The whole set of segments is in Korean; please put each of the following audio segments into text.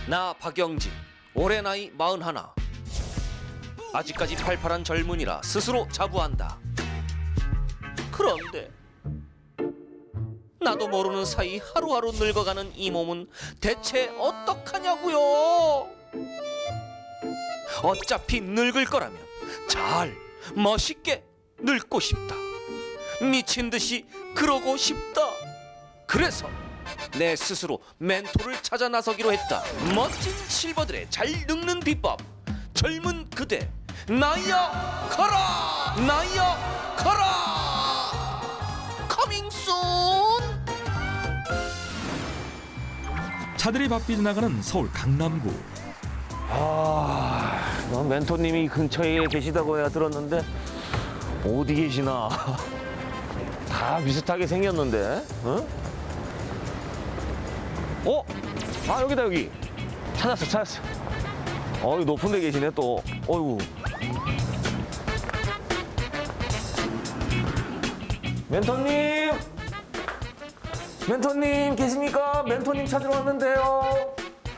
나 박영진, 올해 나이 41. 아직까지 팔팔한 젊은이라 스스로 자부한다. 그런데 나도 모르는 사이 하루하루 늙어가는 이 몸은 대체 어떡하냐고요? 어차피 늙을 거라면 잘 멋있게 늙고 싶다. 미친 듯이 그러고 싶다. 그래서 내 스스로 멘토를 찾아 나서기로 했다. 멋진 실버들의 잘 늙는 비법. 젊은 그대 나이야 가라. 나이야 가라. 커밍 순. 차들이 바삐 나가는 서울 강남구. 멘토님이 근처에 계시다고 해야 들었는데 어디 계시나? 다 비슷하게 생겼는데, 어? 아 여기다 여기. 찾았어. 높은 데 계시네 또. 어이구. 멘토님 계십니까? 멘토님 찾으러 왔는데요.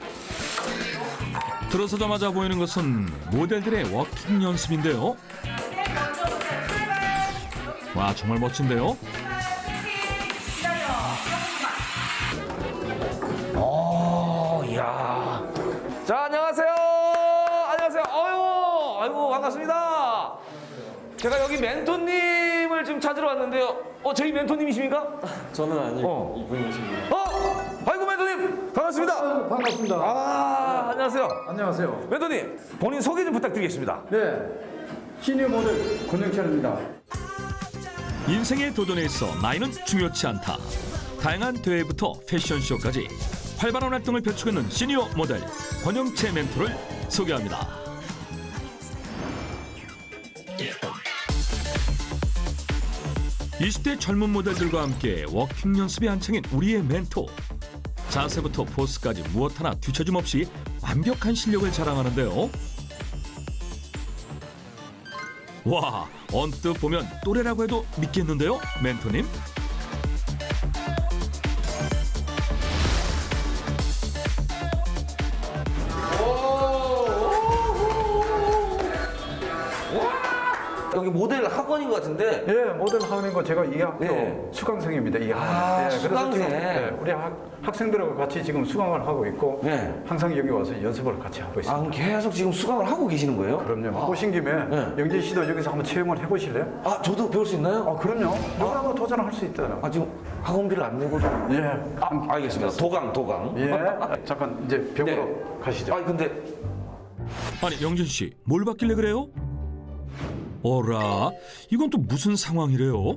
들어서자마자 보이는 것은 모델들의 워킹 연습인데요. 와, 정말 멋진데요. 이야. 자, 안녕하세요. 아이고, 반갑습니다. 제가 여기 멘토님을 지금 찾으러 왔는데요. 저희 멘토님이십니까? 저는 아니고 이분이십니다. 아이고, 멘토님. 반갑습니다. 반갑습니다. 안녕하세요. 안녕하세요. 멘토님, 본인 소개 좀 부탁드리겠습니다. 네, 시니어 모델 권영철입니다. 인생의 도전에 있어 나이는 중요치 않다. 다양한 대회부터 패션쇼까지 활발한 활동을 펼치고 있는 시니어 모델 권영채 멘토를 소개합니다. (20대) 젊은 모델들과 함께 워킹 연습이 한창인 우리의 멘토. 자세부터 포스까지 무엇 하나 뒤처짐 없이 완벽한 실력을 자랑하는데요. 와, 언뜻 보면 또래라고 해도 믿겠는데요, 멘토님? 여기 모델 학원인 것 같은데. 예, 모델 학원인 거 제가 이 학교 네. 수강생입니다. 이 학원. 아, 그래서 수강생. 지금, 우리 학생들하고 같이 지금 수강을 하고 있고 네. 항상 여기 와서 연습을 같이 하고 있습니다. 그럼 계속 지금 수강을 하고 계시는 거예요? 그럼요. 오신 김에 영진 씨도 여기서 한번 체험을 해보실래요? 저도 배울 수 있나요? 그럼요. 누구나 한번 도전할 수 있잖아요. 지금 학원비를 안 내고도. 예. 알겠습니다. 도강. 예. 잠깐 이제 벽으로 네. 가시죠. 아니, 영진 씨, 뭘 받길래 그래요? 어라, 이건 또 무슨 상황이래요?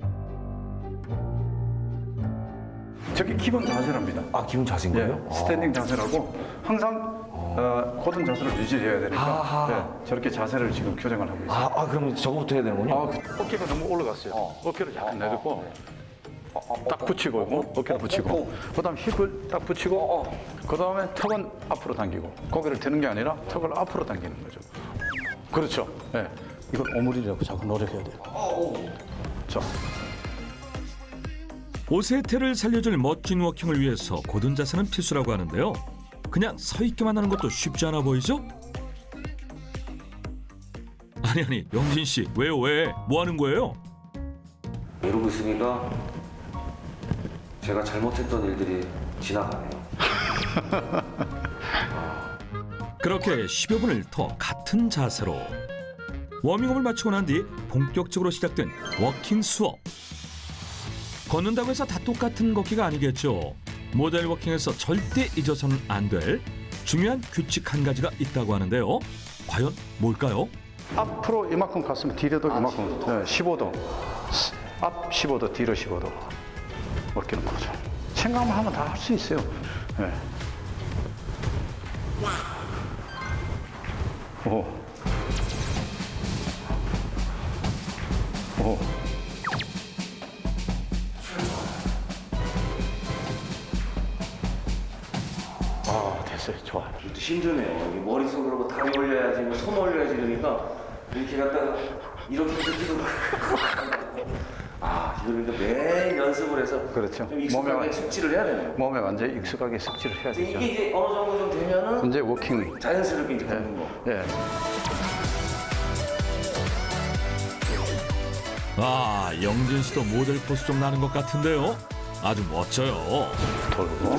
저게 기본 자세랍니다. 기본 자세인 예. 거예요? 스탠딩 자세라고 항상 고든 자세를 유지해야 되니까 저렇게 자세를 지금 교정을 하고 있습니다. 그럼 저거부터 해야 되는군요. 어깨가 너무 올라갔어요. 어깨를 약간 내딛고 딱 붙이고 어깨를 붙이고 그다음 힙을 딱 붙이고 그다음에 턱은 앞으로 당기고 고개를 드는 게 아니라 턱을 앞으로 당기는 거죠. 그렇죠. 네. 이걸 오므리려고 자꾸 노력해야 돼요. 자, 옷의 태를 살려줄 멋진 워킹을 위해서 고든 자세는 필수라고 하는데요. 그냥 서 있기만 하는 것도 쉽지 않아 보이죠? 아니, 영진 씨, 왜요? 뭐 하는 거예요? 이러고 있으니까 제가 잘못했던 일들이 지나가네요. 그렇게 10여 분을 더 같은 자세로 워밍업을 마치고 난 뒤 본격적으로 시작된 워킹 수업. 걷는다고 해서 다 똑같은 걷기가 아니겠죠. 모델 워킹에서 절대 잊어서는 안 될 중요한 규칙 한 가지가 있다고 하는데요. 과연 뭘까요? 앞으로 이만큼 갔으면 뒤로도 이만큼 15도 앞 15도 뒤로 15도 어깨는 거죠. 생각만 하면 다 할 수 있어요. 네. 오. 됐어요. 좋아요. 힘드네요. 이게 머릿속으로 다리 올려야지, 손 올려야지 이러니까 이렇게 갖다가 이렇게 뜯기도 그러니까 매일 연습을 해서 그렇죠. 좀 익숙하게 몸에 숙지를 해야 되네요. 몸에 완전히 익숙하게 숙지를 해야 이게 되죠. 이제 어느 정도 좀 되면은 이제 워킹. 자연스럽게 이제 걷는 거. 예. 아, 영진 씨도 모델 포스 좀 나는 것 같은데요. 아주 멋져요. 돌고.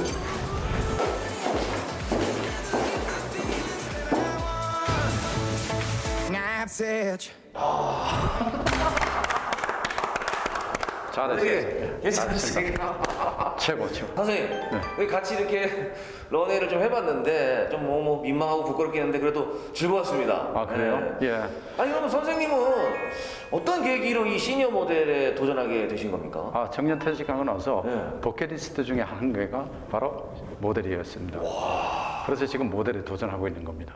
잘했어요. 괜찮으시겠어요? 최고. 선생님, 여기 같이 이렇게 런웨이를 좀 해봤는데 좀 뭐 민망하고 부끄럽긴 한데 그래도 즐거웠습니다. 아, 그래요? 네. 예. 아니 그러면 선생님은 어떤 계기로 이 시니어 모델에 도전하게 되신 겁니까? 아, 정년 퇴직하고 나서 네. 버킷리스트 중에 한 개가 바로 모델이었습니다. 그래서 지금 모델에 도전하고 있는 겁니다.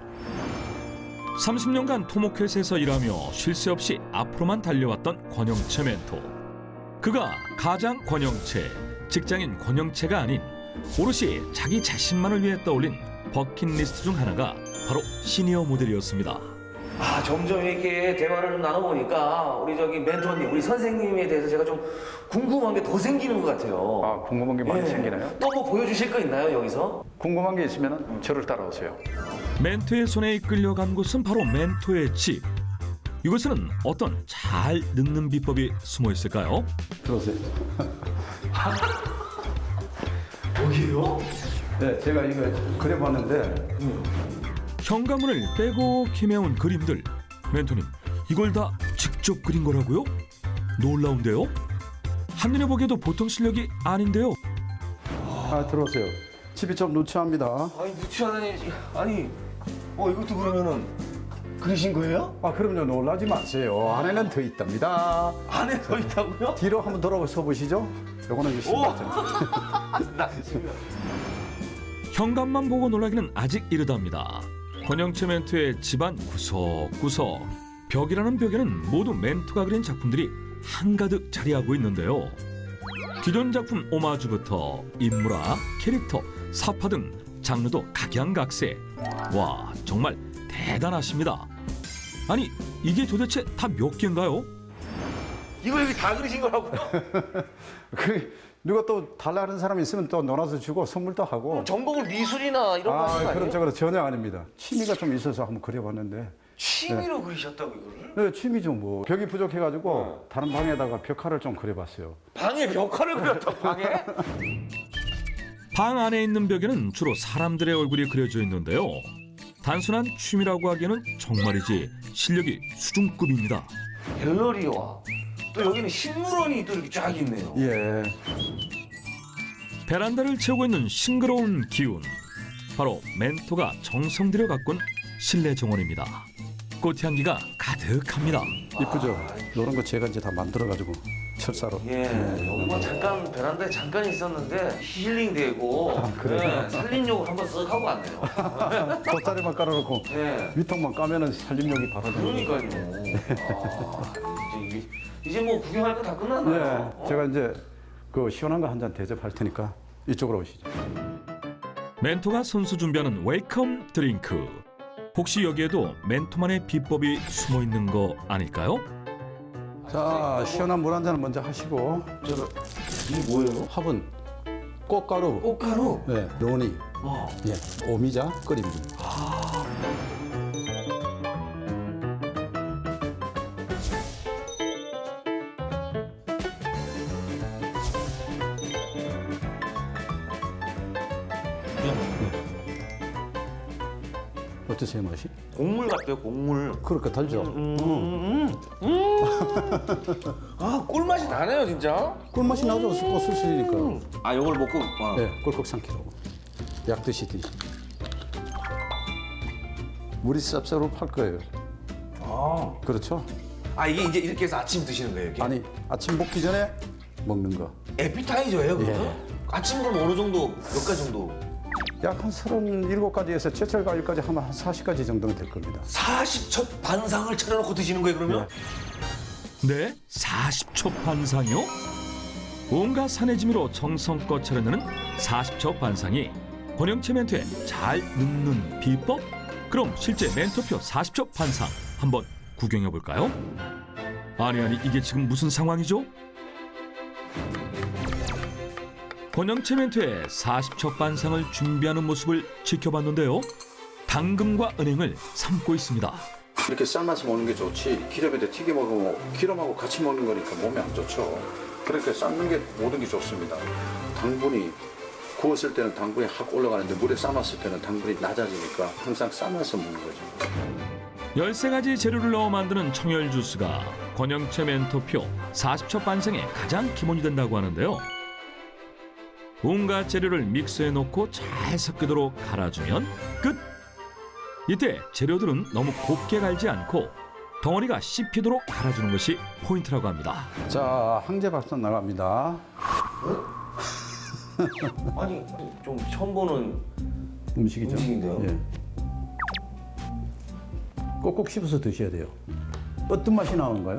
30년간 토목회사에서 일하며 쉴 새 없이 앞으로만 달려왔던 권영채 멘토. 그가 가장 권영채, 직장인 권영채가 아닌 오롯이 자기 자신만을 위해 떠올린 버킷리스트 중 하나가 바로 시니어 모델이었습니다. 아 점점 이렇게 대화를 좀 나눠보니까 우리 저기 멘토님, 우리 선생님에 대해서 제가 좀 궁금한 게 더 생기는 것 같아요. 아, 궁금한 게 많이 예. 생기나요? 또 뭐 보여주실 거 있나요 여기서? 궁금한 게 있으면 저를 따라오세요. 멘토의 손에 이끌려간 곳은 바로 멘토의 집. 이곳에는 어떤 잘 늙는 비법이 숨어 있을까요? 들어오세요. 여기요? 네, 제가 이거 그려봤는데 현관문을 빼고 기매운 그림들. 멘토님, 이걸 다 직접 그린 거라고요? 놀라운데요? 한눈에 보기에도 보통 실력이 아닌데요. 아, 들어오세요. 집이 좀 누추합니다. 아니 누추하다니. 아니 이것도 그러면은 그리신 거예요? 아, 그럼요. 놀라지 마세요. 안에는 더 있답니다. 안에 더 있다고요? 뒤로 한번 돌아서 보시죠. 요거는 이제 신발장. 나 지금 현관만 보고 놀라기는 아직 이르답니다. 권영채 멘토의 집안 구석구석. 벽이라는 벽에는 모두 멘토가 그린 작품들이 한가득 자리하고 있는데요. 기존 작품 오마주부터 인물화, 캐릭터, 사파 등 장르도 각양각색. 와, 정말 대단하십니다. 아니, 이게 도대체 다 몇 개인가요? 이거 여기 다 그리신 거라고요? 그 누가 또 달라 하는 사람이 있으면 또 놀아서 주고 선물도 하고. 전공은 미술이나 이런 거 하신 거 아, 아니에요? 그런 쪽으로 전혀 아닙니다. 취미가 좀 있어서 한번 그려봤는데. 취미로 그리셨다고 이거를? 네, 취미죠 뭐. 벽이 부족해가지고 다른 방에다가 벽화를 좀 그려봤어요. 방에 벽화를 그렸다고 방에? 방 안에 있는 벽에는 주로 사람들의 얼굴이 그려져 있는데요. 단순한 취미라고 하기에는 정말이지 실력이 수준급입니다. 갤러리와 또 여기는 식물원이 또 이렇게 쫙 있네요. 예. 베란다를 채우고 있는 싱그러운 기운. 바로 멘토가 정성 들여 가꾼 실내 정원입니다. 꽃향기가 가득합니다. 이쁘죠? 이런 거 제가 이제 다 만들어가지고 철사로. 예, 여기 뭐 잠깐 베란다에 잠깐 있었는데 힐링되고 네, 살림욕을 한번 쓱 하고 왔네요. 돗자리만 깔아놓고 네. 위통만 까면은 살림력이 바로 되는 거예요. 그러니까요. 이제 뭐 구경할 거 다 끝났나요? 네, 제가 이제 그 시원한 거 한 잔 대접할 테니까 이쪽으로 오시죠. 멘토가 선수 준비하는 웰컴 드링크. 혹시 여기에도 멘토만의 비법이 숨어 있는 거 아닐까요? 자, 시원한 물 한 잔을 먼저 하시고. 이게 뭐예요? 화분, 꽃가루, 꽃가루? 네, 로니, 예, 오미자 끓입니다. 어떠세요, 맛이? 곡물 같아요, 곡물. 그렇게 달죠? 아, 꿀맛이 나네요, 진짜. 꿀맛이 나죠, 꽃 술술이니까. 아, 요걸 먹고. 와. 네, 꿀꺽 삼키라고. 약 드시듯이. 물이 쌉싸로 팔 거예요. 아. 그렇죠? 아, 이게 이제 이렇게 해서 아침 드시는 거예요, 이렇게? 아니, 아침 먹기 전에 먹는 거. 에피타이저예요, 그거? 예. 아침 그럼 어느 정도, 몇 가지 정도? 약 한 37가지에서 제철 과일까지 하면 한 40가지 정도는 될 겁니다. 40첩 반상을 차려놓고 드시는 거예요, 그러면? 네, 40초 반상이요? 온갖 산해짐으로 정성껏 차려내는 40초 반상이 권영채 멘토의 잘 늙는 비법? 그럼 실제 멘토표 40초 반상 한번 구경해 볼까요? 아니 이게 지금 무슨 상황이죠? 권영채 멘토의 40첩 반상을 준비하는 모습을 지켜봤는데요. 당금과 은행을 삶고 있습니다. 이렇게 삶아서 먹는 게 좋지 기름에다 튀겨 먹으면 기름하고 같이 먹는 거니까 몸에 안 좋죠. 그러니까 삶는 게 모든 게 좋습니다. 당분이 구웠을 때는 당분이 확 올라가는데 물에 삶았을 때는 당분이 낮아지니까 항상 삶아서 먹는 거죠. 13가지 재료를 넣어 만드는 청열 주스가 권영채 멘토표 40첩 반상의 가장 기본이 된다고 하는데요. 온갖 재료를 믹서에 넣고 잘 섞이도록 갈아주면 끝! 이때 재료들은 너무 곱게 갈지 않고 덩어리가 씹히도록 갈아주는 것이 포인트라고 합니다. 자, 항제밥솥 나갑니다. 아니 좀 처음 보는 음식이죠. 음식인데요? 예. 꼭꼭 씹어서 드셔야 돼요. 어떤 맛이 나오는가요?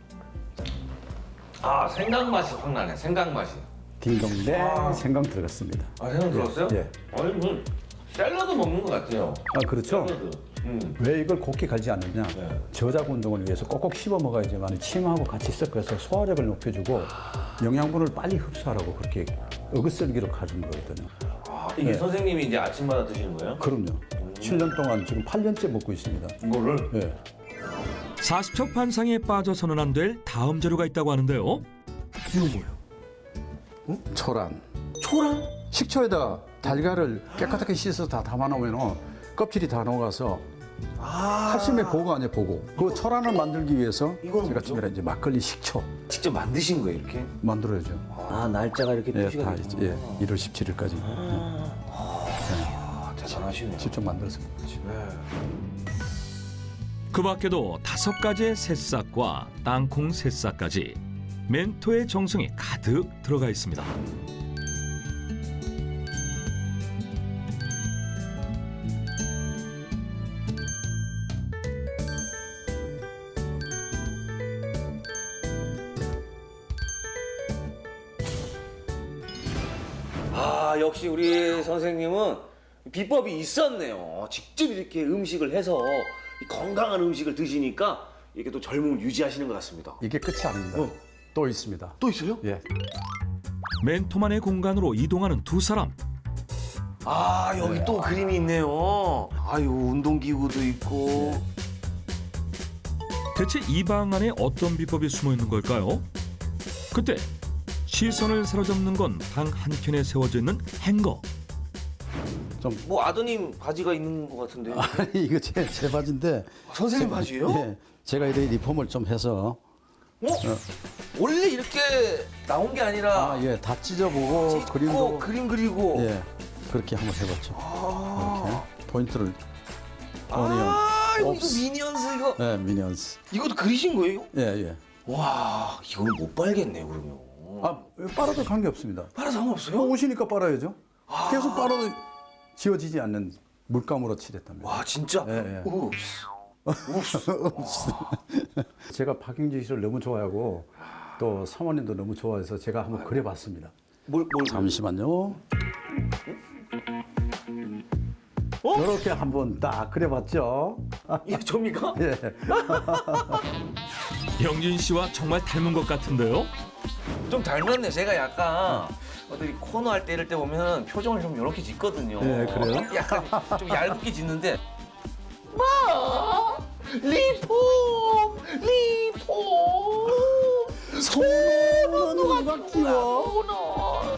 아 생강 맛이 확 나네. 생강 맛이. 딩동댕 생강 들어갔습니다. 아 생강 들었어요? 예. 아니 뭐 샐러드 먹는 것 같아요. 아, 그렇죠. 샐러드. 왜 이걸 곱게 갈지 않느냐? 네. 저작 운동을 위해서 꼭꼭 씹어 먹어야지만 침하고 같이 섞어서 소화력을 높여주고 영양분을 빨리 흡수하라고 그렇게 어긋썰기로 가준 거거든요. 아, 이게 네. 선생님이 이제 아침마다 드시는 거예요? 그럼요. 7년 동안 지금 8년째 먹고 있습니다. 이거를? 예. 40첩 반상에 빠져서는 안 될 다음 재료가 있다고 하는데요. 이거 뭐예요? 초란. 초란? 식초에다 달걀을 깨끗하게 씻어서 다 담아놓으면 껍질이 다 녹아서 칼슘의 보고 아니에요, 보고. 그 초란을 만들기 위해서 이건 제가 뭐죠? 준비한 이제 막걸리 식초 직접 만드신 거예요 이렇게? 만들어야죠. 아 날짜가 이렇게 예, 표시가 다 되구나. 이제 1월 17일까지 아 대단하시네요. 직접 만들어서 먹는 거죠. 그 밖에도 5가지의 새싹과 땅콩 새싹까지 멘토의 정성이 가득 들어가 있습니다. 아 역시 우리 선생님은 비법이 있었네요. 직접 이렇게 음식을 해서 이 건강한 음식을 드시니까 이게 또 젊음을 유지하시는 것 같습니다. 이게 끝이 아닙니다. 또 있습니다. 또 있어요? 예. 멘토만의 공간으로 이동하는 두 사람. 아 여기 또 그림이 있네요. 아유 운동기구도 있고. 대체 이 방 안에 어떤 비법이 숨어 있는 걸까요? 그때 시선을 사로잡는 건 방 한켠에 세워져 있는 행거. 뭐 아드님 바지가 있는 것 같은데. 아니 이거 제 바지인데. 선생님 바지예요? 예. 제가 이렇게 리폼을 좀 해서 원래 이렇게 나온 게 아니라 예, 다 찢어보고 찢고 그림도 그림 그리고. 예, 그렇게 한번 해봤죠. 이렇게 포인트를 아 이거 옵스. 미니언스 이거. 예, 미니언스. 이것도 그리신 거예요? 예, 예. 와 이거는 못 빨겠네 그러면. 아, 빨아도 관계 없습니다. 빨아 상관없어요? 오시니까 빨아야죠. 계속 빨아도 지워지지 않는 물감으로 칠했답니다. 와 진짜? 예, 예. 읍스. 제가 박영진 씨를 너무 좋아하고 또 사모님도 너무 좋아해서 제가 한번 그려봤습니다. 뭘 잠시만요. 이렇게 한번 딱 그려봤죠. 이게 접니까? 예. 영진 씨와 정말 닮은 것 같은데요. 좀 닮았네. 제가 약간 어디 코너 할 때 이럴 때 보면 표정을 좀 이렇게 짓거든요. 네, 그래요? 약간 좀 얇게 짓는데. 마 리폼 손은 누가 키워?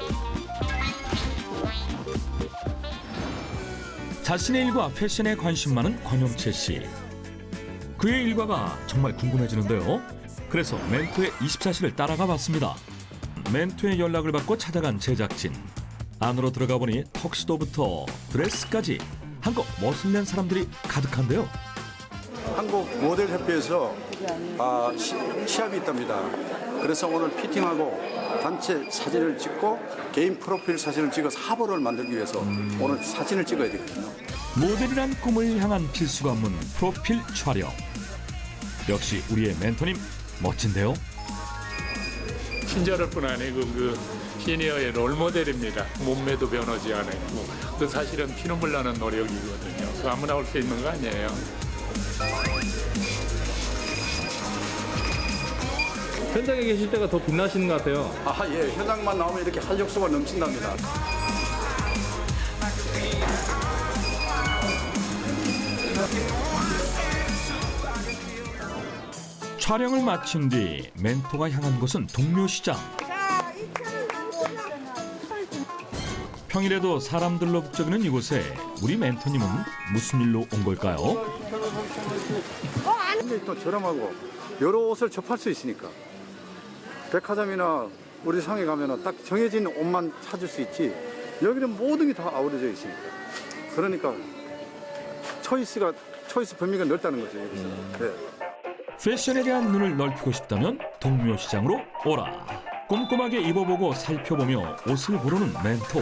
자신의 일과 패션에 관심 많은 권영채 씨. 그의 일과가 정말 궁금해지는데요. 그래서 멘토의 24시를 따라가 봤습니다. 멘토의 연락을 받고 찾아간 제작진. 안으로 들어가 보니 턱시도부터 드레스까지 한껏 멋을 낸 사람들이 가득한데요. 한국 모델 협회에서 시합이 있답니다. 그래서 오늘 피팅하고 단체 사진을 찍고 개인 프로필 사진을 찍어서 화보를 만들기 위해서 오늘 사진을 찍어야 되거든요. 모델이란 꿈을 향한 필수 관문 프로필 촬영. 역시 우리의 멘토님 멋진데요. 친절할 뿐 아니고 그 시니어의 롤모델입니다. 몸매도 변하지 않았고 그 사실은 피눈물 나는 노력이거든요. 그 아무나 올 수 있는 거 아니에요. 현장에 계실 때가 더 빛나시는 것 같아요. 아, 예. 현장만 나오면 이렇게 활력소가 넘친답니다. 촬영을 마친 뒤 멘토가 향한 곳은 동묘시장. 평일에도 사람들로 북적이는 이곳에 우리 멘토님은 무슨 일로 온 걸까요? 굉장히 또 저렴하고 여러 옷을 접할 수 있으니까. 백화점이나 우리 상에 가면 딱 정해진 옷만 찾을 수 있지. 여기는 모든 게 다 아우러져 있으니까. 그러니까 초이스 범위가 넓다는 거죠, 여기서는. 네. 패션에 대한 눈을 넓히고 싶다면 동묘시장으로 오라. 꼼꼼하게 입어보고 살펴보며 옷을 고르는 멘토.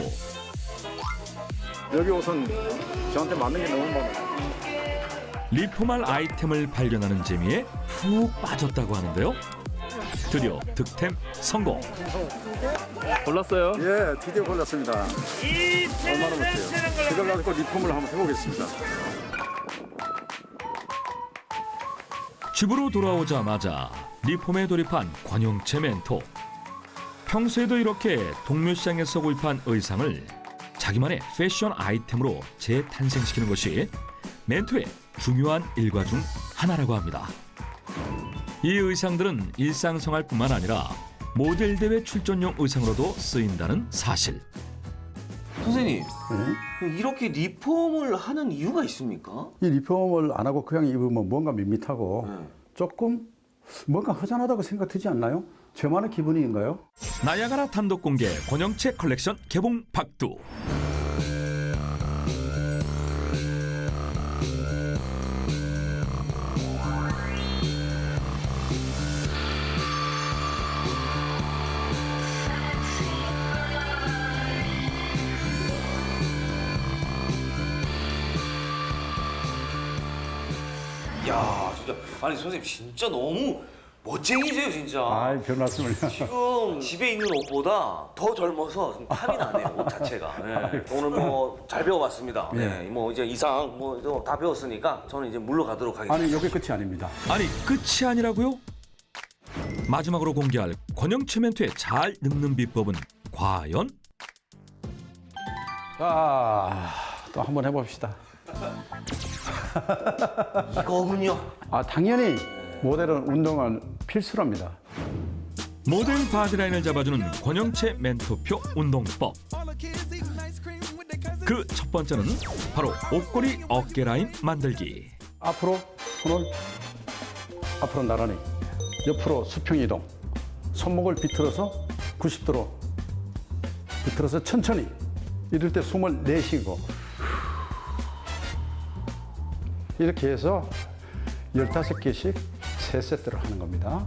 여기 옷은 저한테 맞는 게 너무 많아요. 리폼할 아이템을 발견하는 재미에 푹 빠졌다고 하는데요. 드디어 득템 성공. 골랐어요? 예, 드디어 골랐습니다. 얼마나 못해요. 이걸 가지고 리폼을 한번 해보겠습니다. 집으로 돌아오자마자 리폼에 돌입한 권영채 멘토. 평소에도 이렇게 동묘시장에서 구입한 의상을 자기만의 패션 아이템으로 재탄생시키는 것이 멘토의 중요한 일과 중 하나라고 합니다. 이 의상들은 일상생활뿐만 아니라 모델 대회 출전용 의상으로도 쓰인다는 사실. 선생님, 이렇게 리폼을 하는 이유가 있습니까? 이 리폼을 안 하고 그냥 입으면 뭔가 밋밋하고 조금 뭔가 허전하다고 생각 들지 않나요? 저만의 기분인가요? 나야가라 단독 공개 권영채 컬렉션 개봉 박두. 야, 진짜 아니 선생님 진짜 너무 멋쟁이세요 진짜. 아이, 별 말씀을. 지금 집에 있는 옷보다 더 젊어서 좀 탐이 나네요 옷 자체가. 네. 오늘 뭐 잘 배워봤습니다. 네. 뭐 이제 이상 뭐 다 배웠으니까 저는 이제 물러가도록 하겠습니다. 아니, 여기 끝이 아닙니다. 아니 끝이 아니라고요? 마지막으로 공개할 권영채 멘토의 잘 늙는 비법은 과연? 자, 또 한번 해봅시다. 이거군요. 아, 당연히 모델은 운동은 필수랍니다. 모델 바디라인을 잡아주는 권영채 멘토표 운동법. 그 첫 번째는 바로 옷걸이 어깨 라인 만들기. 앞으로 손을 앞으로 나란히, 옆으로 수평 이동, 손목을 비틀어서 90도로 비틀어서 천천히. 이럴 때 숨을 내쉬고 이렇게 해서 15개씩 3세트를 하는 겁니다.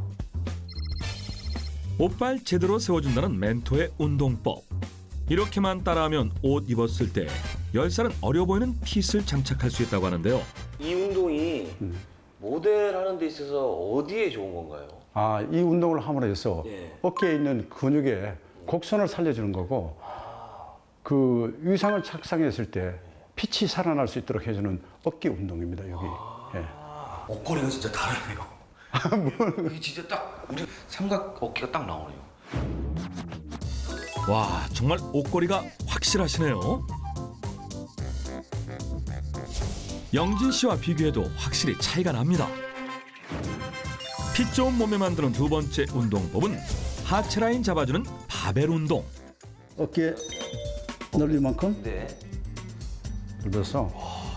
옷발 제대로 세워준다는 멘토의 운동법. 이렇게만 따라하면 옷 입었을 때 10살은 어려 보이는 핏을 장착할 수 있다고 하는데요. 이 운동이 모델하는 데 있어서 어디에 좋은 건가요? 아, 이 운동을 함으로 해서 예. 어깨에 있는 근육에 곡선을 살려주는 거고, 그 의상을 착상했을 때 핏이 살아날 수 있도록 해주는 어깨 운동입니다, 여기. 예. 옷걸이가 진짜 다르네요. 이게 진짜 딱 우리 삼각 어깨가 딱 나오네요. 와, 정말 옷걸이가 확실하시네요. 영진 씨와 비교해도 확실히 차이가 납니다. 핏 좋은 몸에 만드는 두 번째 운동법은 하체 라인 잡아주는 바벨 운동. 어깨 넓이만큼 네. 넓혀서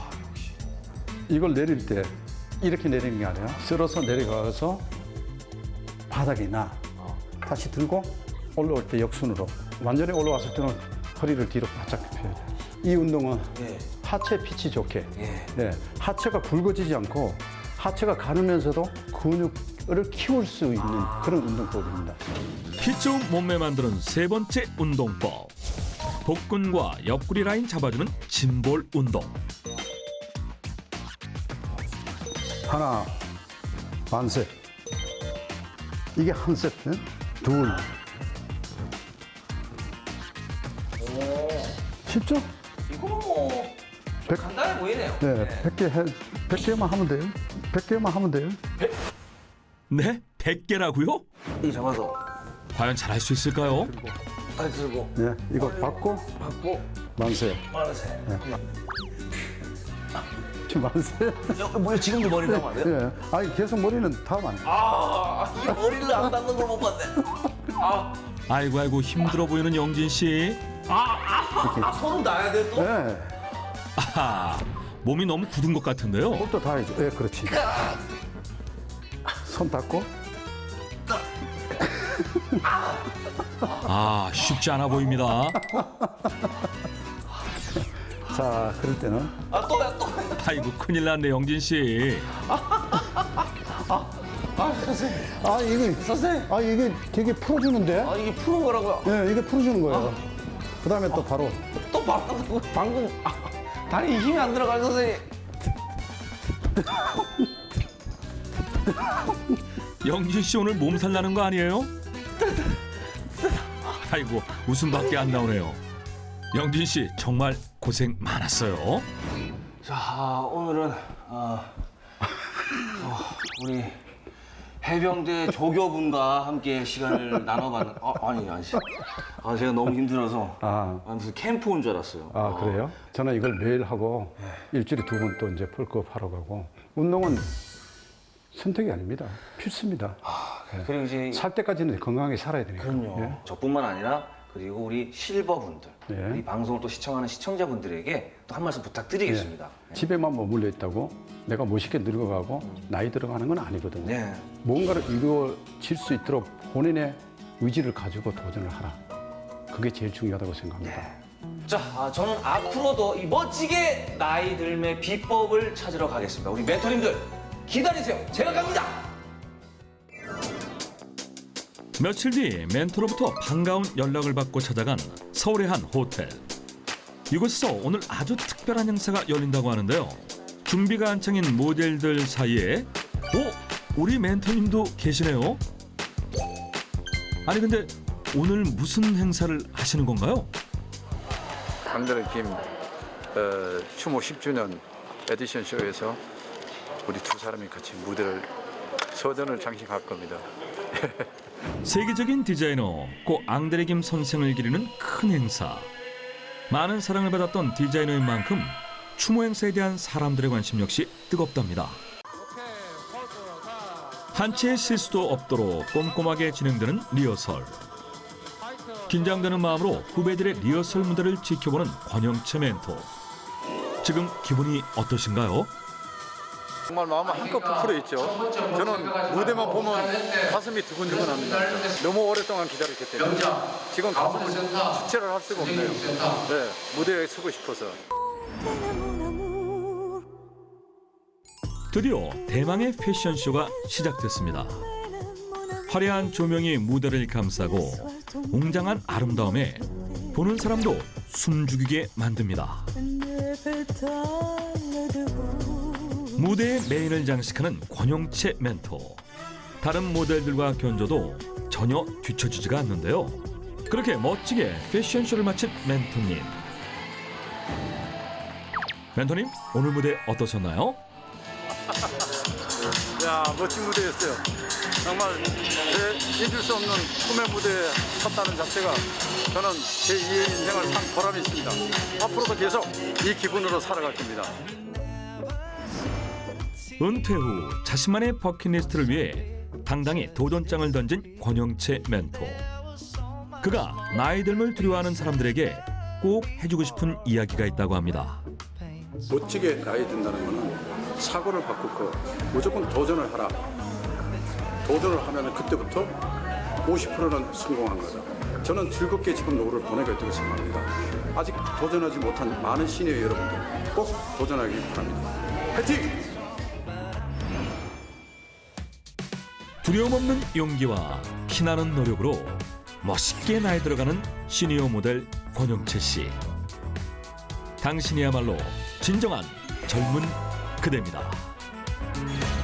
이걸 내릴 때 이렇게 내리는 게 아니라 쓸어서 내려가서 바닥이나 다시 들고 올라올 때 역순으로, 완전히 올라왔을 때는 허리를 뒤로 바짝 펴야 돼요. 이 운동은 네. 하체 핏이 좋게, 예. 네, 하체가 굵어지지 않고 하체가 가누면서도 근육을 키울 수 있는 그런 운동법입니다. 핏 좋은 몸매 만드는 세 번째 운동법. 복근과 옆구리 라인 잡아주는 짐볼 운동. 하나, 반셋. 이게 한 세트, 둘. 쉽죠? 이거 뭐 간단해 보이네요. 네, 100개만 하면 돼요. 100개만 하면 돼요. 네, 100개라고요? 이 잡아서 과연 잘할 수 있을까요? 발 들고 예, 이거 받고 만세. 만세. 지금 만세. 뭐야 지금도 머리 감으면 안 돼요? 예. 아니 계속 머리는 닿으면 안 돼. 이 머리를 안 닿는 걸 못 봤네. 아이고 힘들어 보이는 영진 씨. 손은 놔야 돼 또? 예. 아하, 몸이 너무 굳은 것 같은데요. 목도 닿아야죠. 예, 그렇지. 손 닿고. 아, 쉽지 않아 보입니다. 자, 그럴 때는 또야. 아이고 큰일 났네 영진 씨. 선생님. 아, 이게 선생님. 아, 이게 되게 풀어주는데. 이게 푸는 거라고요? 예, 이게 풀어주는 거예요. 그다음에 또 바로 또 방금 다리에 힘이 안 들어가요 선생님. 영진 씨 오늘 몸살 나는 거 아니에요? 아이고 웃음밖에 안 나오네요. 영진 씨 정말 고생 많았어요. 자 오늘은 우리 해병대 조교분과 함께 시간을 나눠봤는. 아니. 제가 너무 힘들어서 무슨 캠프 온 줄 알았어요. 그래요? 저는 이걸 매일 하고 일주일에 2번 또 이제 펄크업 하러 가고 운동은 선택이 아닙니다. 필수입니다. 그리고 이제 살 때까지는 건강하게 살아야 되니까. 그럼요. 예. 저뿐만 아니라 그리고 우리 실버분들, 예. 이 방송을 또 시청하는 시청자분들에게 또 한 말씀 부탁드리겠습니다. 집에만 머물러 있다고 내가 멋있게 늙어가고 나이 들어가는 건 아니거든요. 네. 뭔가를 이루어질 수 있도록 본인의 의지를 가지고 도전을 하라. 그게 제일 중요하다고 생각합니다. 자, 저는 앞으로도 이 멋지게 나이 들매 비법을 찾으러 가겠습니다. 우리 멘토님들 기다리세요. 제가 갑니다. 며칠 뒤 멘토로부터 반가운 연락을 받고 찾아간 서울의 한 호텔. 이곳에서 오늘 아주 특별한 행사가 열린다고 하는데요. 준비가 한창인 모델들 사이에 우리 멘토님도 계시네요. 아니 근데 오늘 무슨 행사를 하시는 건가요? 강대리 추모 10주년 에디션 쇼에서 우리 두 사람이 같이 무대를 서전을 장식할 겁니다. 세계적인 디자이너 고 앙드레 김 선생을 기리는 큰 행사. 많은 사랑을 받았던 디자이너인 만큼 추모 행사에 대한 사람들의 관심 역시 뜨겁답니다. 한 채의 실수도 없도록 꼼꼼하게 진행되는 리허설. 긴장되는 마음으로 후배들의 리허설 무대를 지켜보는 권영채 멘토. 지금 기분이 어떠신가요? 정말 마음은 한껏 부풀어 있죠. 저는 무대만 보면 가슴이 두근두근합니다. 너무 오랫동안 기다렸기 때문에 지금 가슴을 주체를 할 수가 없네요. 네, 무대에 서고 싶어서. 드디어 대망의 패션쇼가 시작됐습니다. 화려한 조명이 무대를 감싸고 웅장한 아름다움에 보는 사람도 숨죽이게 만듭니다. 무대의 메인을 장식하는 권영채 멘토. 다른 모델들과 견줘도 전혀 뒤처지지가 않는데요. 그렇게 멋지게 패션쇼를 마친 멘토님. 멘토님, 오늘 무대 어떠셨나요? 야, 멋진 무대였어요. 정말 잊을 수 없는 꿈의 무대에 섰다는 자체가 저는 제 2의 인생을 산 보람이 있습니다. 앞으로도 계속 이 기분으로 살아갈 겁니다. 은퇴 후 자신만의 버킷리스트를 위해 당당히 도전장을 던진 권영채 멘토. 그가 나이 듦을 두려워하는 사람들에게 꼭 해주고 싶은 이야기가 있다고 합니다. 멋지게 나이 든다는 거는 사고를 바꾸고 무조건 도전을 하라. 도전을 하면 그때부터 50%는 성공한 거다. 저는 즐겁게 지금 노후를 보내고 있다고 생각합니다. 아직 도전하지 못한 많은 시니어 여러분들 꼭 도전하길 바랍니다. 화이팅! 두려움 없는 용기와 피나는 노력으로 멋있게 나이 들어가는 시니어 모델 권영채 씨. 당신이야말로 진정한 젊은 그대입니다.